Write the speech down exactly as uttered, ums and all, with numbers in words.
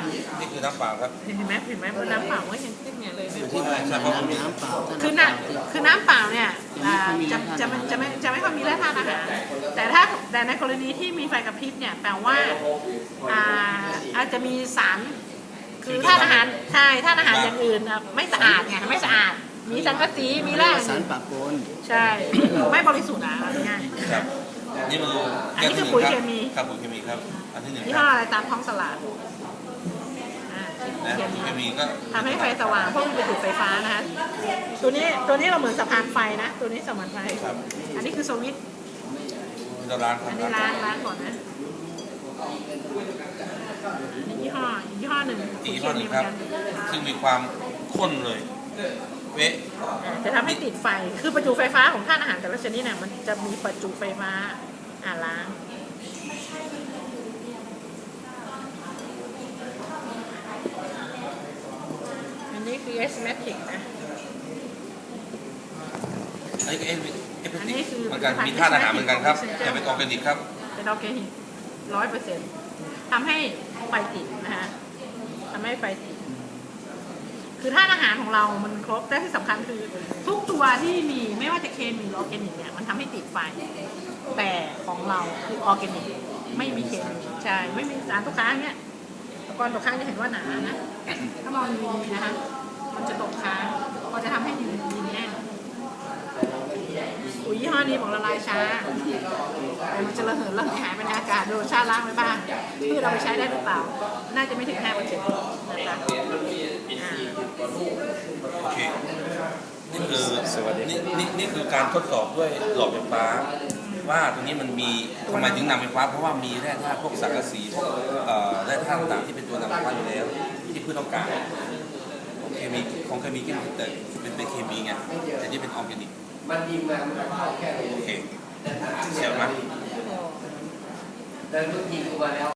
นี่คือน้ำเปล่าครับเห็นไหมเห็นไหมมันน้ำเปล่าก็เห็นขึ้นเนี่ยเลยอยู่ที่ไหนครับน้ำน้ำเปล่าคือน้ำคือน้ำเปล่าเนี่ยจะจะจะไม่จะไม่ค่อยมีแร่ธาตุอาหารแต่ถ้าแต่ในกรณีที่มีไฟกระพริบเนี่ยแปลว่าอ่าอาจจะมีสารคือธาตุอาหารใช่ธาตุอาหารอย่างอื่นไม่สะอาดไงไม่สะอาดมีสังกะสีมีแร่สารปะปนใช่ไม่บริสุทธิ์อ่ะง่ายๆครับนี่มืออันนี้คือปุ๋ยเคมีครับปุ๋ยเคมีครับอันที่หนึ่งยี่คห้อรับอะไรตามท้องตลาดอ่านะเคปุ๋ยเคมีมีก็ทำให้ไฟสว่างเพราะมันเป็นจุดไฟฟ้านะคะตัวนี้ตัวนี้เราเหมือนสะพานไฟนะตัวนี้สะพานไฟอันนี้คือสวิตช์เราล้างครับอันนี้ล้างล้างก่อนนะอันนี้ยี่ห้ออีกยี่ห้อหนึ่งอีกยี่ห้อหนึ่งครับซึ่งมีความข้นเลยเวะจะทำให้ติดไฟคือประจุไฟฟ้าของธาตุอาหารแต่ละชนิดเนี่ยมันจะมีประจุไฟฟ้าอ่าล้างอันนี้คือ Asthmatic นะอันนี้ก็เอฟเอฟอันตินี้คือเหมือนกันมีธาตุอาหารเหมือนกันครับแต่เป็นออร์แกนิกครับเป็นออร์แกนิกร้อยเปอร์เซ็นต์ทำให้ไฟติดนะฮะทำให้ไฟติดคือธาตุอาหารของเรามันครบแต่ที่สำคัญคือทุกตัวที่มีไม่ว่าจะเคมีหรือออร์แกนิกเนี่ยมันทำให้ติดไฟแต่ของเราคือออร์แกนิกไม่มีเคมีใช่ไม่มีสารตกค้างเนี่ยตะกอนตกค้างจะเห็นว่าหนานะถ้ามองดีๆนะคะมันจะตกค้างก็จะทำให้ดินดินแน่นปุ๋ยยี่ห้อนี้บอกละลายช้าแต่มันจะระเหิดระเหยหายไปในอากาศโดนชาล้างไว้บ้างพืชเราไปใช้ได้หรือเปล่าน่าจะไม่ถึงห้าเปอร์เซ็นต์นะคะโอเคนี่คือนี่นี่นี่คือการทดสอบด้วยหลอดไฟฟ้าว่าตรงนี้มันมีทำไมถึงนำไฟฟ้าเพราะว่ามีแร่ธาตุพวกสังกะสีพวกเอ่อแร่ธาตุต่างๆที่เป็นตัวนำไฟฟ้าอยู่แล้วที่พืชต้องการของเคมีของเคมีก็แต่เป็นเป็นเคมีไงแต่นี่เป็นออร์แกนิกมันยิงมามันเข้าแค่ไหนโอเคเสียบไหมแต่มันยิงออกมาแล้ว